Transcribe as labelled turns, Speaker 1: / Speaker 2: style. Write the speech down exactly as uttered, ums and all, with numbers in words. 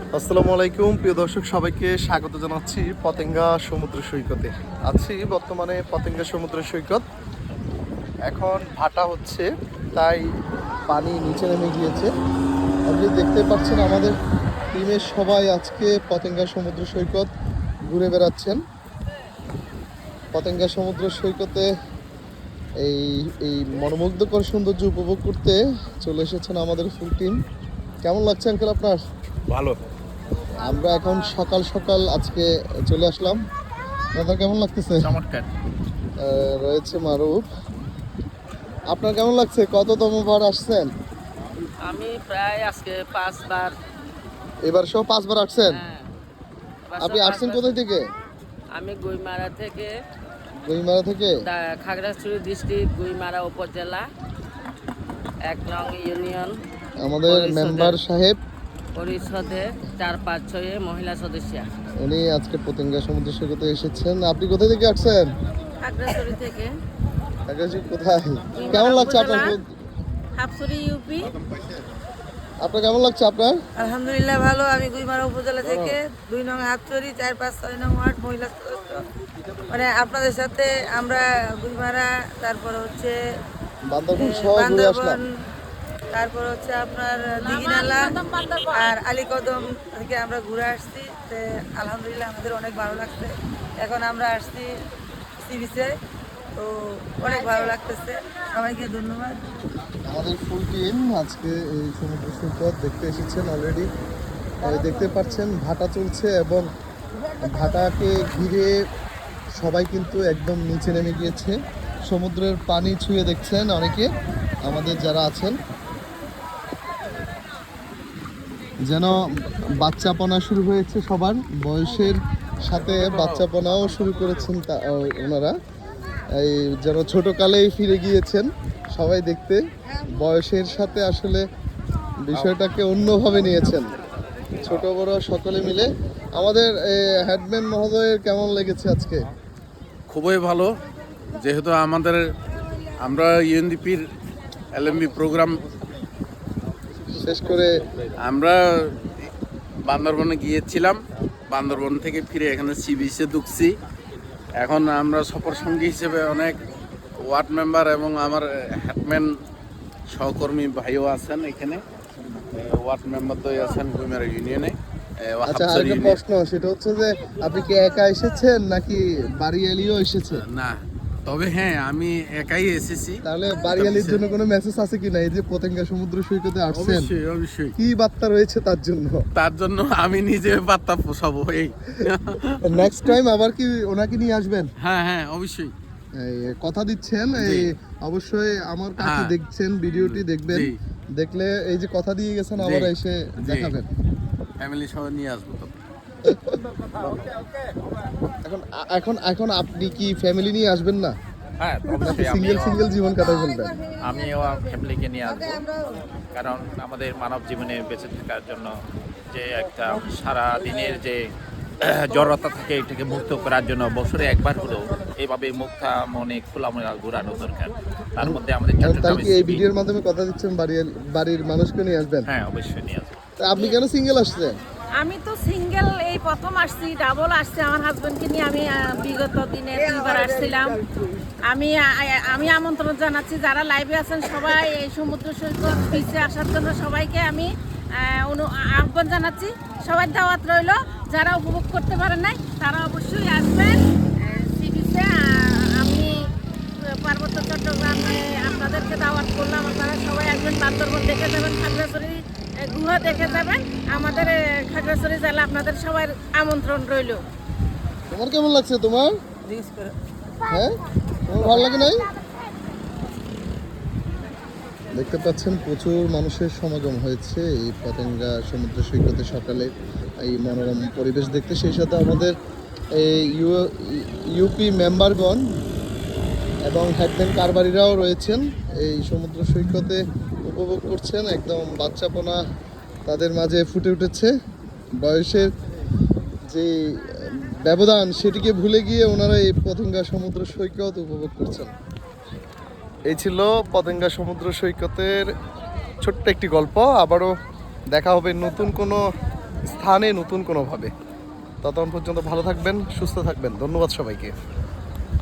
Speaker 1: আসসালামু আলাইকুম প্রিয় দর্শক, সবাইকে স্বাগত জানাচ্ছি পতেঙ্গা সমুদ্র সৈকতে। আছি বর্তমানে পতেঙ্গা সমুদ্র সৈকত। এখন ভাটা হচ্ছে, তাই পানি নিচে নেমে গিয়েছে। আপনি দেখতে পাচ্ছেন আমাদের টিমের সবাই আজকে পতেঙ্গা সমুদ্র সৈকত ঘুরে বেড়াচ্ছেন। পতেঙ্গা সমুদ্র সৈকতে এই এই মনোমুগ্ধকর সৌন্দর্য উপভোগ করতে চলে এসেছেন আমাদের ফুল টিম। কেমন লাগছে আঙ্কেল আপনার?
Speaker 2: ভালো।
Speaker 1: আমরা এখন সকাল সকাল আজকে চলে আসলাম। দাদা কেমন লাগতেছে?
Speaker 2: চমৎকার।
Speaker 1: আহ, রয়েছে মারুফ। আপনার কেমন লাগছে? কততম বার আসছেন?
Speaker 3: আমি প্রায় আজকে পাঁচবার।
Speaker 1: এবার সহ পাঁচবার আসছেন?
Speaker 3: হ্যাঁ, এবার
Speaker 1: আপনি
Speaker 3: সব
Speaker 1: আসছেন
Speaker 3: পাঁচবার।
Speaker 1: কোথায় থেকে?
Speaker 3: আমি গুইমারা থেকে,
Speaker 1: গইমারা থেকে।
Speaker 3: দা- খাগড়াছড়ি ডিস্ট্রিক্ট, গুইমারা উপজেলা, এক নং ইউনিয়ন
Speaker 1: আমাদের
Speaker 3: পরিষদের-
Speaker 1: মেম্বার সাহেব
Speaker 3: পরিষদে চার পাঁচ ছয়ে মহিলা সদস্য।
Speaker 1: উনি আজকে পতেঙ্গা সমুদ্র সৈকতে এসেছেন। আপনি কোথায় থেকে আসছেন?
Speaker 3: খাগড়াছড়ি থেকে।
Speaker 1: কাকাজি কোথায়? কেমন লাগছে আপনার?
Speaker 3: হাফসুরি ইউপি।
Speaker 1: আপনার কেমন লাগছে আপনার?
Speaker 4: আলহামদুলিল্লাহ ভালো। আমি গুইমারা উপজেলা থেকে দুই নং হাতচুরি চার পাঁচ ছয় নং ওয়ার্ড মহিলা সদস্য। মানে আপনাদের সাথে আমরা গুইমারা, তারপর হচ্ছে
Speaker 1: বান্দরবন সহ ঘুরে আসলাম।
Speaker 4: বান্দরবন, তারপর হচ্ছে আপনার দিঘিনালা আর আলীকদম থেকে আমরা ঘুরে আসছি। তে আলহামদুলিল্লাহ আমাদের অনেক ভালো লাগছে। এখন আমরা আসছি সি বিচে, তো অনেক ভালো লাগতেছে। সবাইকে ধন্যবাদ।
Speaker 1: আমাদের ফুল টিম আজকে এই সমুদ্র সৈকত দেখতে এসেছেন অলরেডি। দেখতে পাচ্ছেন ভাটা চলছে এবং ভাটাকে ঘিরে সবাই কিন্তু একদম নিচে নেমে গিয়েছে। সমুদ্রের পানি ছুঁয়ে দেখছেন অনেকে আমাদের যারা আছেন। যেন বাচ্চাপনা শুরু হয়েছে সবার, বয়সের সাথে বাচ্চাপনাও শুরু করেছেন তা- ওনারা। এই যেন ছোটকালেই ফিরে গিয়েছেন সবাই দেখতে। বয়সের সাথে আসলে বিষয়টাকে অন্যভাবে নিয়েছেন ছোট বড় সকলে মিলে। আমাদের হেডম্যান মহোদয়ের কেমন লেগেছে আজকে?
Speaker 2: খুবই ভালো, যেহেতু আমাদের আমরা ইউএনডিপির এলএমবি প্রোগ্রাম
Speaker 1: শেষ করে
Speaker 2: আমরা বান্দরবনে গিয়েছিলাম। বান্দরবন থেকে ফিরে এখানে সি বিচে ঢুকছি। এখন আমরা সফর সঙ্গী হিসেবে অনেক ওয়ার্ড মেম্বার এবং আমার হেডম্যান সহকর্মী ভাইও আছেন এখানে। ওয়ার্ড মেম্বার তো আছেন গুইমারা ইউনিয়নে।
Speaker 1: আচ্ছা, আরেকটা প্রশ্ন, সেটা হচ্ছে যে আপনি কি একা এসেছেন নাকি বাড়িয়ালিও এসেছে?
Speaker 2: না, তবে হ্যাঁ আমি একাই এসেছি।
Speaker 1: তাহলে বাড়িয়ালির জন্য কোনো মেসেজ আছে কিনা? এই যে পতেঙ্গা সমুদ্র সৈকতে আসছেন,
Speaker 2: অবশ্যই অবশ্যই
Speaker 1: কি বার্তা রয়েছে তার জন্য?
Speaker 2: তার জন্য আমি নিজে বার্তা পোষাবো। এই
Speaker 1: নেক্সট টাইম আবার কি ওনাকে নিয়ে আসবেন?
Speaker 2: হ্যাঁ হ্যাঁ অবশ্যই।
Speaker 1: এই কথা দিচ্ছেন? এই অবশ্যই আমার কাছে
Speaker 2: হ্যাঁ।
Speaker 1: দেখছেন, ভিডিওটি দেখবেন,
Speaker 2: জি।
Speaker 1: দেখলে এই যে কথা দিয়ে গেছেন আবার
Speaker 2: জি।
Speaker 1: এসে
Speaker 2: জি।
Speaker 1: দেখাবেন।
Speaker 2: ফ্যামিলি সহ নিয়ে আসবো তো।
Speaker 1: এখন এখন এখন আপনি কি ফ্যামিলি নিয়ে আসবেন না,
Speaker 5: হ্যাঁ
Speaker 1: নাকি
Speaker 5: অবশ্যই
Speaker 1: সিঙ্গেল
Speaker 5: আমিও
Speaker 1: সিঙ্গেল জীবন কাটাই ফেলবেন?
Speaker 5: আমিও ফ্যামিলিকে নিয়ে আসবো, কারণ আমাদের মানব জীবনে বেঁচে থাকার জন্য যে একটা সারা দিনের যে জড়তা থাকে এটাকে মুক্ত করার জন্য বছরে একবার হলেও এইভাবে মুক্তা মনে খোলা মনে ঘোরানো দরকার। তার মধ্যে আমাদের
Speaker 1: এখন তাহলে
Speaker 5: চট্টগ্রামে
Speaker 1: কি এই
Speaker 5: সি বিচ-
Speaker 1: ভিডিওর মাধ্যমে কথা দিচ্ছেন বাড়ির বাড়ির মানুষকে নিয়ে আসবেন?
Speaker 5: হ্যাঁ অবশ্যই নিয়ে আসবো।
Speaker 1: তা আপনি কেন সিঙ্গেল আসছেন?
Speaker 4: আমি তো সিঙ্গেল এই প্রথম আসছি, ডাবল আসছে আমার হাজবেন্ডকে নিয়ে। আমি আহ, বিগত দিনে দুইবার আসছিলাম। আমি আ- আমি আমন্ত্রণ জানাচ্ছি যারা লাইভে আছেন সবাই এই সমুদ্র সৈকত বিচে আসার জন্য সবাইকে আমি আহ, অনু- আহ্বান জানাচ্ছি। সবাই দাওয়াত রইল। যারা উপভোগ করতে পারেন নাই তারা অবশ্যই আসবেন সি বিচে। আমি পার্বত্য চট্টগ্রামে আপনাদেরকে দাওয়াত করলাম, আপনারা সবাই আসবেন। বান্দরবন দেখে যাবেন, খাগড়াছড়ি গুহা দেখে যাবেন। আমাদের এ, খাগড়াছড়ি জেলা আপনাদের সবার আমন্ত্রণ রইল।
Speaker 1: তোমার কেমন লাগছে? তোমার হ্যাঁ, তোমার ভালো লাগে নাই? দেখতে পাচ্ছেন প্রচুর মানুষের সমাগম হয়েছে এই পতেঙ্গা সমুদ্র সৈকতে সকালে এই মনোরম পরিবেশ দেখতে। সেই সাথে আমাদের এই ইউ- ইউপি মেম্বারগণ এবং হেডম্যান কারবারিরাও রয়েছেন এই সমুদ্র সৈকতে উপভোগ করছেন। একদম বাচ্চাপনা তাদের মাঝে ফুটে উঠেছে। বয়সের যে ব্যবধান সেটিকে ভুলে গিয়ে ওনারা এই পতেঙ্গা সমুদ্র সৈকত উপভোগ করছেন। এই ছিল পতেঙ্গা সমুদ্র সৈকতের ছোট্ট একটি গল্প। আবারও দেখা হবে নতুন কোনো স্থানে নতুন কোনোভাবে। ততক্ষণ পর্যন্ত ভালো থাকবেন, সুস্থ থাকবেন। ধন্যবাদ সবাইকে।